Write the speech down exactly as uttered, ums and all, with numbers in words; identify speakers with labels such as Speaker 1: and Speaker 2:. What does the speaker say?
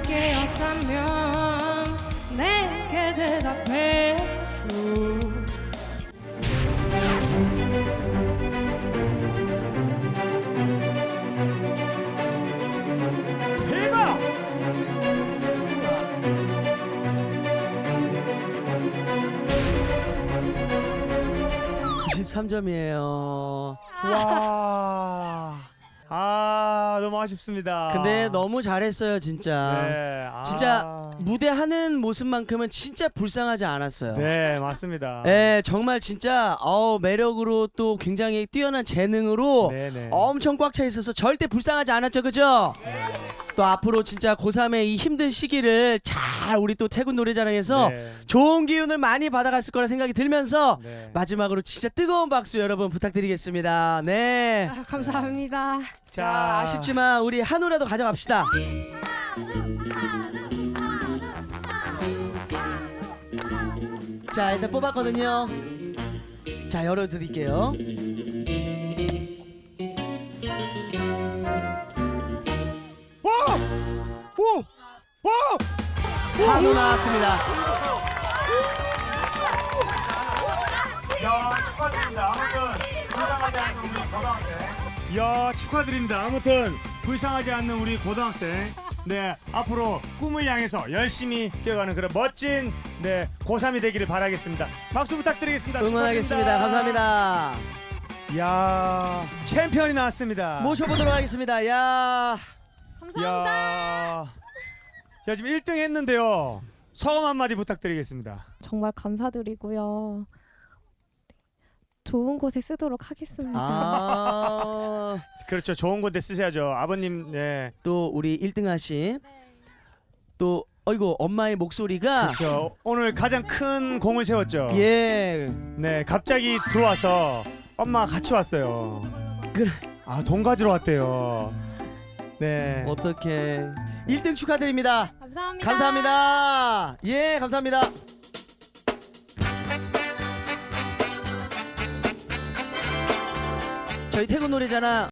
Speaker 1: 게였다면 내게 대답해줘.
Speaker 2: 대박!
Speaker 3: 구십삼 점이에요.
Speaker 2: 와. 아, 너무 아쉽습니다.
Speaker 3: 근데 너무 잘했어요, 진짜.
Speaker 2: 네. 아.
Speaker 3: 진짜 무대 하는 모습만큼은 진짜 불쌍하지 않았어요.
Speaker 2: 네, 맞습니다.
Speaker 3: 네, 정말 진짜 어, 매력으로 또 굉장히 뛰어난 재능으로
Speaker 2: 네네.
Speaker 3: 엄청 꽉 차 있어서 절대 불쌍하지 않았죠, 그죠? 또 앞으로 진짜 고삼의 이 힘든 시기를 잘 우리 또 태군 노래자랑에서
Speaker 2: 네.
Speaker 3: 좋은 기운을 많이 받아갔을 거라 생각이 들면서
Speaker 2: 네.
Speaker 3: 마지막으로 진짜 뜨거운 박수 여러분 부탁드리겠습니다. 네.
Speaker 1: 아, 감사합니다.
Speaker 3: 자, 아쉽지만 우리 한우라도 가져갑시다. 자, 일단 뽑았거든요. 자, 열어드릴게요.
Speaker 2: 와! 오! 와!
Speaker 3: 한우 나왔습니다.
Speaker 2: 야, 축하드립니다. 아무튼 불쌍하지 않는 우리 고등학생. 야, 축하드립니다. 아무튼 불쌍하지 않는 우리 고등학생. 네, 앞으로 꿈을 향해서 열심히 뛰어가는 그런 멋진 네 고삼이 되기를 바라겠습니다. 박수 부탁드리겠습니다.
Speaker 3: 응원하겠습니다. 감사합니다.
Speaker 2: 야, 챔피언이 나왔습니다.
Speaker 3: 모셔보도록 하겠습니다. 야,
Speaker 2: 야, 야 지금 일 등 했는데요. 소감 한마디 부탁드리겠습니다.
Speaker 1: 정말 감사드리고요. 좋은 곳에 쓰도록 하겠습니다.
Speaker 3: 아,
Speaker 2: 그렇죠. 좋은 곳에 쓰셔야죠. 아버님, 네.
Speaker 3: 또 우리 일 등 하신 또 어이구 엄마의 목소리가
Speaker 2: 그렇죠. 오늘 가장 큰 공을 세웠죠.
Speaker 3: 예,
Speaker 2: 네, 갑자기 들어와서 엄마가 같이 왔어요.
Speaker 3: 그래.
Speaker 2: 아, 돈 가지러 왔대요. 네.
Speaker 3: 어떻게 일 등 축하드립니다.
Speaker 1: 감사합니다.
Speaker 3: 감사합니다. 예, 감사합니다. 저희 태국 노래자랑